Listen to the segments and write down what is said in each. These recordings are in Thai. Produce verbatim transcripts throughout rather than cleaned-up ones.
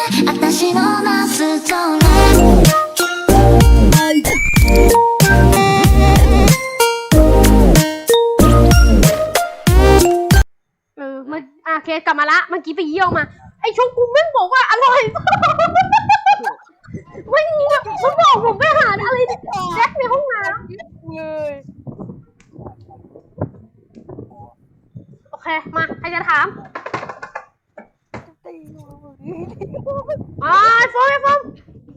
私の夏空เออมันอ่ะโอเคกลับมาละเมื่อกี้ไปเยี่ยวมาไอชงกูแม่งบอกว่าอร่อยไม่มีอ่ะมันบอกผมไปหาอะไรแจ็คในห้องน้ำเลยโอเคมาใครจะถามอ่าโฟมโฟม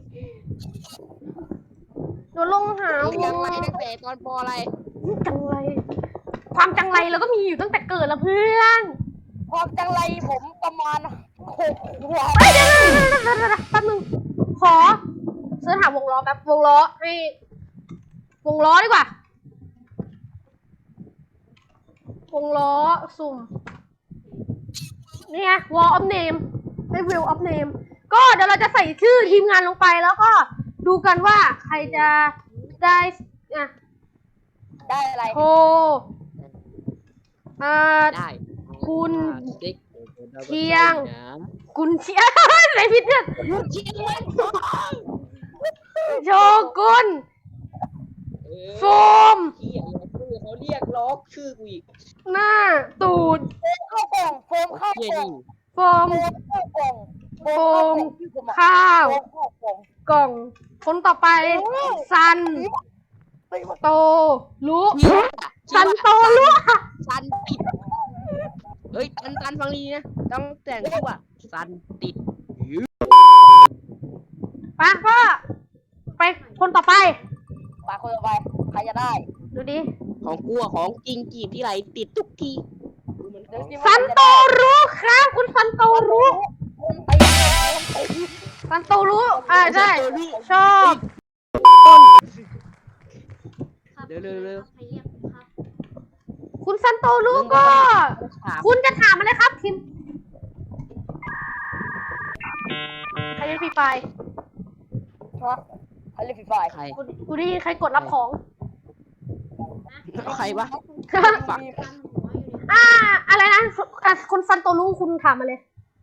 เดี๋ยวลงหาจังไรตั้งแต่ตอนปออะไรจังไรความจังไรเราก็มีอยู่ตั้งแต่เกิดแล้วเพื่อนความจังไรผมประมาณหกขวบเฮ้ยเดี๋ยวเดี๋ยวเดี๋ยวแป๊บนึงขอเสิร์ชหาวงล้อแป๊บวงล้อให้วงล้อดีกว่าวงล้อสุ่มนี่ไง wall of name ไม่ wheel of name ก็เดี๋ยวเราจะใส่ชื่อทีมงานลงไปแล้วก็ดูกันว่าใครจะได้อ่ะได้อะไรโทรอ่าได้คุณเชียงคุณเชียงอะไรผิดเนี่ยโชกุนโฟมเขาเรียกล็อกชื่อกูอีกหน้าตูดเข้ากล่องโฟมเข้ากล่องโฟมเข้ากล่องโฟมข้าวกล่องคนต่อไปซันโตรู้ซันโตรู้ซันติดเฮ้ยตันตันฟังดีนะต้องแต่งชื่อว่าซันติดไปพ่อไปคนต่อไปไปคนต่อไปใครจะได้ดูดิของกูของจริงจีบที่ไรติดทุกทีซันโตรู้ครับคุณซันโตรู้ซันโตรู้อ่าใช่ชอบเร็วเร็วเร็วคุณซันโตรู้ก็คุณจะถามอะไรครับคิมใครเล่นฟรีไฟฮะใครเล่นฟรีไฟใครกูได้ยินใครกดรับของใครวะฝังอ่าอะไรนะคุณซันโตรู้คุณถามมาเลย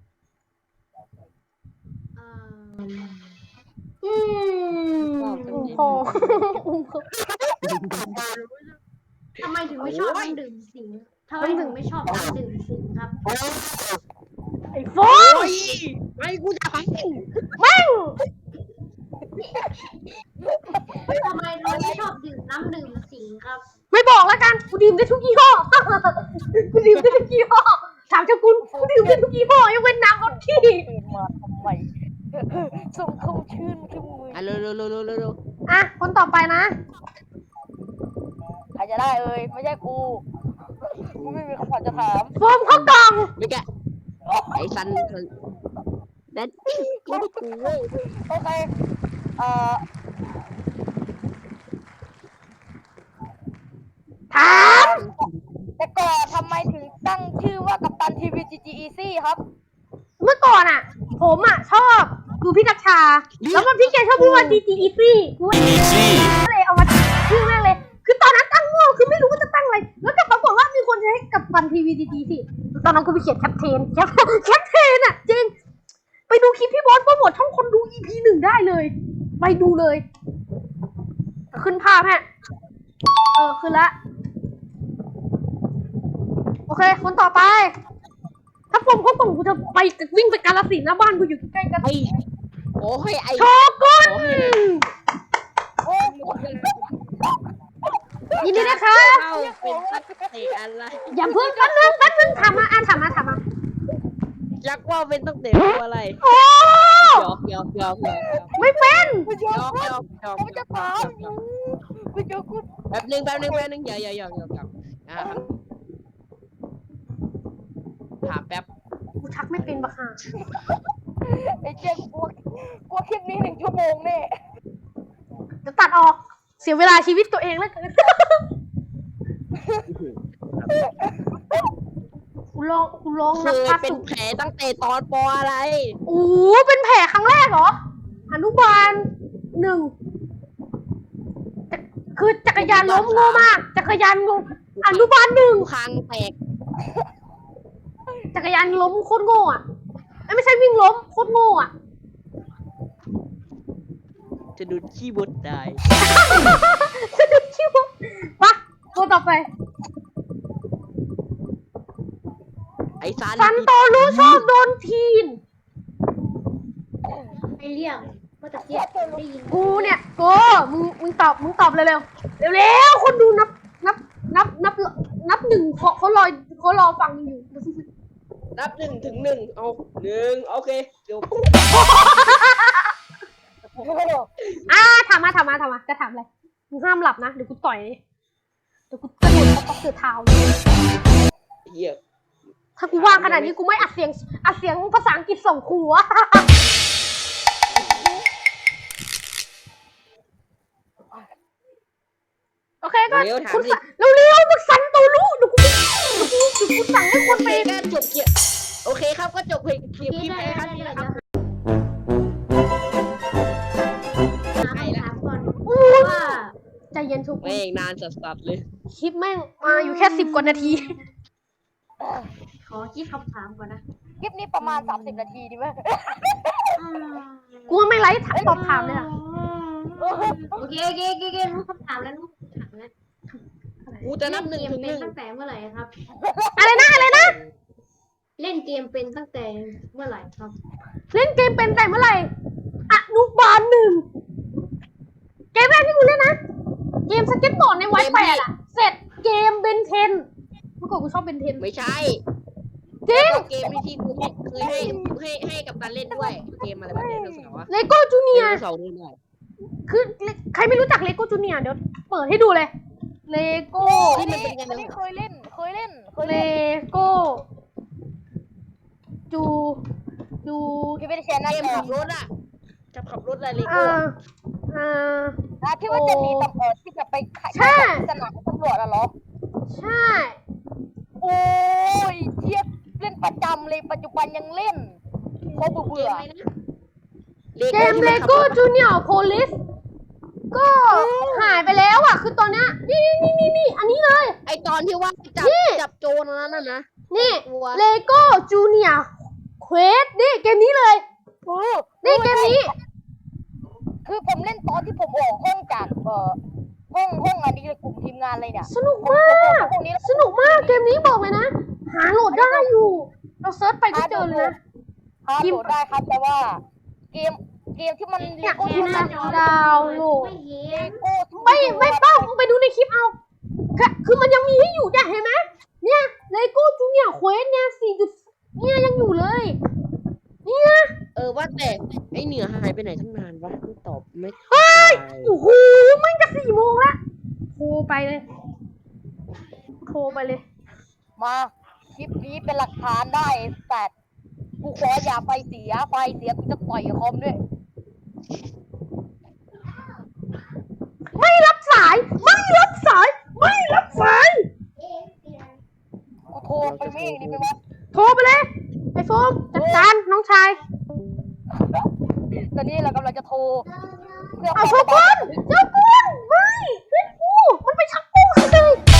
อืมพอทำไมถึงไม่ชอบน้ำดื่มสิงทำไมถึงไม่ชอบน้ำดื่มสิงครับไอ้โฟยไม่กูจะฟังแม่งทำไมถึงไม่ชอบดื่มน้ำดื่มสิงครับไม่บอกแล้วกันกูดื่มได้ทุกยี่ห้อกูดื่มได้ทุกยี่ห้อถามเจ้าคุณกูดื่มได้ทุกยี่ห้อยกเว้นน้ำรสขี้มาทำไมส่งเข้าชื่นขึ้นมืออ่ะเร็วเร็วเร็วเร็วเร็วอ่ะคนต่อไปนะใครจะได้เอ่ยไม่ใช่กูกูไม่มีคำถามจะถามโฟมเข้ากล่องไม่แกไอ้ซันนั่นกูกูเว้ยโอเคเอ่อถามแต่ก่อนทำไมถึงตั้งชื่อว่ากัปตันทีวีจีจีอีซี่ครับเมื่อก่อนอ่ะผมอ่ะชอบดูพี่นักชาแล้วมันพี่แกชอบพูดว่าจีจีอีซี่กูก็เลยเอามาชื่อแม่เลยคือตอนนั้นตั้งมั่วคือไม่รู้ว่าจะตั้งอะไรแล้วก็ปรากฏว่ามีคนใช้กัปตันทีวีจีจีสิตอนนั้นกูไปเขียนแคปเทนแคปแคปเทนอ่ะจริงไปดูคลิปพี่บอสโปรโมทช่องคนดู อี พี หนึ่งได้เลยไปดูเลยขึ้นภาพฮะเออขึ้นละโอเคคนต่อไปถ้าผมเขาส่งกูจะไปวิ่งไปกาฬสินธุ์นะบ้านกูอยู่ใกล้กันโอ้ยไอ้โชกุนยินดีนะคะเป็นตัดเตะอะไรอย่าเพิ่งแป๊บนึงแป๊บนึงถามมาอ่ะถามมาถามมายักว่าเป็นตั้งเตะอะไรโอ้ยอกยอกยอกไม่เป็นยอกยอกยอกผมจะถามไม่ยอกแป๊บนึงแป๊บนึงแป๊บนึงอย่าอย่าอย่าอย่าอย่าอ่าถามแป๊บกูชักไม่เป็นบักห่าไอ้เจ๊กลัวกลัวคลิปนี้หนึ่งชั่วโมงแน่จะตัดออกเสียเวลาชีวิตตัวเองแล้วเกินกูลองกูลองนับพัดเป็นแผลตั้งแต่ตอนปออะไรโอ้เป็นแผลครั้งแรกเหรออนุบาลหนึ่งคือจักรยานล้มโง่มากจักรยานงงอนุบาลหนึ่งคางแตกจักรยานล้มโคตรโง่อะไม่ใช่วิ่งล้มโคตรโง่อะจะดูดขี้บดได้สะดุดคิวปะตัวต่อไปไอ้ซันซันโตรู้ชอบโดนทีนไม่เรียกเมื่อตะเกียบได้ยินกูเนี่ยโกมึงมึงตอบมึงตอบเร็วเร็วเร็วเร็วๆคนดูนับนับนับนับนับหนึ่งเขาเขารอเขารอฟังอยู่นับหนึ่งถึงหนึ่งเอาหนึ่งโอเคเดี๋ยวอ่าถามมาถามมาถามมาจะถามอะไรมึงห้ามหลับนะเดี๋ยวกูต่อยเลยเดี๋ยวกูกระโดดเข้าป๊อกเสือเท้าเลยเหี้ยถ้ากูว่างขนาดนี้กูไม่อัดเสียงอัดเสียงภาษาอังกฤษส่งครูอะ โอเคก็เร็วถามคุณดิสั่งเร็วๆมึงสั่นตัวรู้เดี๋ยวกูเดี๋ยวกูเดี๋ยวกูสั่งให้คนโอไปเคก็จบเกียร์โอเคครับก็จบเพลงคลิปนี่คลิปได้แพ้คได้รั้งนี้ได้นะครับเดี๋ยวหาคำถามก่อนอู้ว่าใจเย็นทุกคนแม่งนานสัสๆเลยคลิปแม่งมาอยู่แค่สิบกว่านาทีขอคิดคำถามก่อนนะคลิปนี้ประมาณสามสิบนาทีดีไหมกูไม่ไลฟ์ถามตอบถามเลยอะโอเคโอเคโอเคโอเครู้คำถามแล้วรู้คำถามแล้วกูจะนับหนึ่งเล่ถึนงเกหมนึ่งเป็นตั้งแต่เมื่อไหร่ครับอะไรนะอะไรนะเล่นเกมเป็นตั้งแต่เมื่อไหร่ครับเล่นเกมเป็นแต่เมื่อไหร่อนุบาลหนึ่งเกมแรกที่กูเล่นนะเกมสเก็ตบอร์ดในไวแปดอะเสร็จเกมเบนเทนเมื่อก่อนกูชอบเบนเทนไม่ใช่จริงเกมที่กูเคยให้ให้ให้กับการเล่นด้วยเกมอะไรแบบนี้เราสาวะเลโก้จูเนียเสาร์ด้วยคือใครไม่รู้จักเลโก้จูเนียเดี๋ยวเปิดให้ดูเลยเลโก้ที่มันเป็นยังอันไงนี้เคยเล่น เคยเล่น เคยเลเล่นโก้จูจูพี่ไม่ได้แชร์หน้าเกมจอขับรถอ่ะจะขับรถอะไรเลอ่าโก้อ่านะที่ว่าจะหนีตำรวจที่จะไปขายใช่สนามตำรวจอะเหรอใช่โอ้ยเทียบเล่นประจำเลยปัจจุบันยังเล่นเพราะเบื่อเกมเลโก้จูเนียร์โพลิสก็หายไปแล้วอ่ะ คือตอนเนี้ยนี่นี่นี่นี่อันนี้เลยไอตอนที่ว่าจับจับโจรนั้นน่ะนะนี่กลัวเลโก้จูเนียร์เควสนี่เกมนี้เลยเออนี่เกมนี้คือผมเล่นตอนที่ผมออกห้องจากเอ่อห้องห้องอันนี้เลยกลุ่มทีมงานเลยเนี่ยสนุกมากพวกนี้แล้วสนุกมากเกมนี้บอกเลยนะ หาโหลดได้อยู่ เราเซิร์ชไปก็เจอเลยนะฮาร์ดโหลดได้ครับแต่ว่า เกมเกมที่มันเนี่ยโก้พิมพ์นะดาวน์โหลดไม่เห็นโก้ที่นไม่ไม่ต้องมึงไปดูในคลิปเอาค่ะคือมันยังมีให้อยู่เนี่ยเห็นไหมเนี่ยเลโก้จูเนียร์เควสเนี่ยสี่จุดเนี่ยยังอยู่เลย เนี่ยเออว่าแต่ไอเหนือหายไปไหนตั้งนานวะไม่ตอบไม่เฮ้ยโอ้โหมันจะสี่โมงละโทรไปเลย โทรไปเลยมาคลิปนี้เป็นหลักฐานได้แต่กูขออย่าไฟเสียไฟเสียกูจะต่อยคอมด้วยไม่รับสาย ไม่รับสาย ไม่รับสายกูโทรไปไม่ดีไหมวะโทรไปเลย ไอโฟมจัดการน้องชายตอนนี้เรากำลังจะโทรเพื่อเอาโชกุนโชกุนไม่เพื่อนกูมันไปชักกูเลย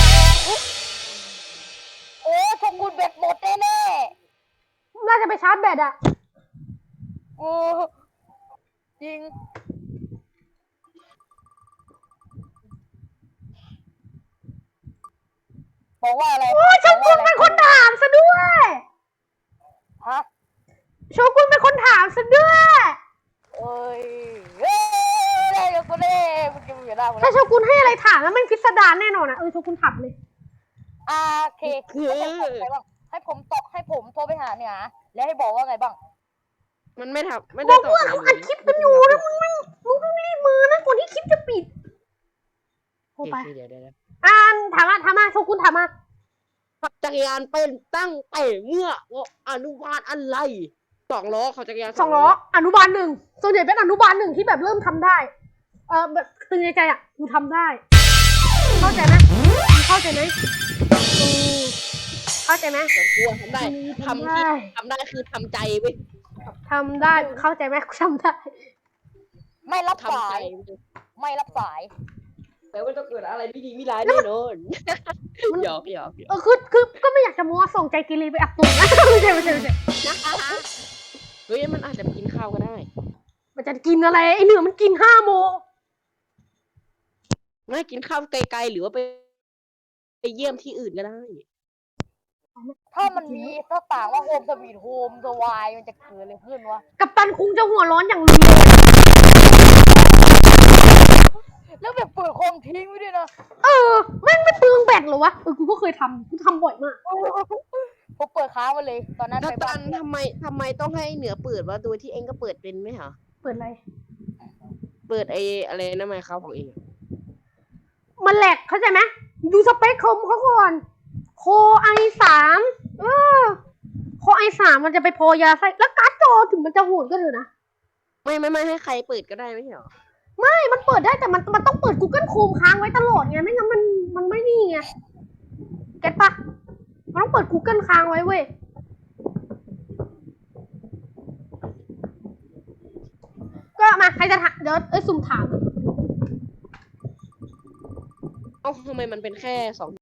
โอ้ชมคุณเบ็ดหมดแน่น่าจะไปชาร์จแบตอะๆกูจริงบอกว่าอะไรโอ้โชกุนเป็นคนถามซะด้วยฮะโชกุนเป็นคนถามซะด้วยเอ้ยเอ้ยได้กับกูเล่มึงจะมีได้หมดถ้าแล้วโชกุนให้อะไรถามแล้วมันพิสดารแน่นอนอะเออโชกุนถามเลยอ่าโอเคให้ผมไงบ้างให้ผมตอบให้ผมโทรไปหาเนี่ยนะแล้วให้บอกว่าไงบ้างมันไม่ทำไม่บได้อกตอบว่าเขาอัดคลิปกันอยู่นะมึงมันมึงต้องรีบมือนะก่อนที่คลิปจะปิดโทรไปเดี๋ยวเดี๋ยวเดี๋ยวอ่านถามมาถามมาโชกุนถามมาขับจักรยานเป็นตั้งแต่เมื่ออนุบาลอะไรสองล้อขับจักรยานสองล้ออนุบาลหนึ่งส่วนใหญ่เป็นอนุบาลหนึ่งที่แบบเริ่มทำได้ เออแบบตึงในใจอ่ะกูทำได้ เข้าใจไหมเข้าใจไหมอืมเข้าใจไหมแต่กลัวทำได้ทำที่ได้ทำได้คือทำใจเว้ยทำได้เข้าใจไหมกูทำได้ไม่รับทำสาใจย ไม่รับสายแปลว่าจะเกิดอะไรไม่ดีไม่ร้ายแน่นอนหยอกหยอกหยอกเออคือคือก็ไม่อยากจะมัวส่งใจกิรีไปอับตุนนะ ไม่ใช่ไม่ใช่ไม่ใช่นะคะเฮ้ยมันอาจจะไปกินข้าวก็ได้มันจะกินอะไรไอเหนือมันกินห้าโมงไม่กินข้าวไกลๆหรือว่าไปไปเยี่ยมที่อื่นก็ได้ถ้ามันมีถ้าต่างว่าโฮมสวีทโฮมสวายมันจะเกิดอะไรขึ้นวะกัปตันคุงจะหัวร้อนอย่างรุนแรงแล้วแบบเปิดคอมทิ้งไว้ด้วยนะเออแม่งไม่เปลืองแบตเหรอวะเออกูก็เคยทำกูทำบ่อยมากผมเปิดค้างไว้เลย ตอนนั้นกัไปปบ้าตันนทำไมทำไมต้องให้เหนือเปิดวะโดยที่เองก็เปิดเป็นไหมเหรอเปิดอะไรเปิดไออะไรนะไมค์ครับของเองอะมันแหลกเข้าใจไหมดูสเปคคอมเขาก่อนโคไอสามเออโคไอสามมันจะไปพอยาไส้แล้วการ์ดจอถึงมันจะโหดก็เถอะนะไม่ไม่ไม่ให้ใครเปิดก็ได้ไม่ใช่เหรอไม่มันเปิดได้แต่มันมันต้องเปิด Google Chrome ค้างไว้ตลอดไงไม่งั้นมันมันไม่นี่ไงเก็ตปะมันต้องเปิด Google ค้างไว้เว้ยก็มาใครจะถามเดี๋ยวเอ้ยสุ่มถามเอ้าทำไมมันเป็นแค่สอง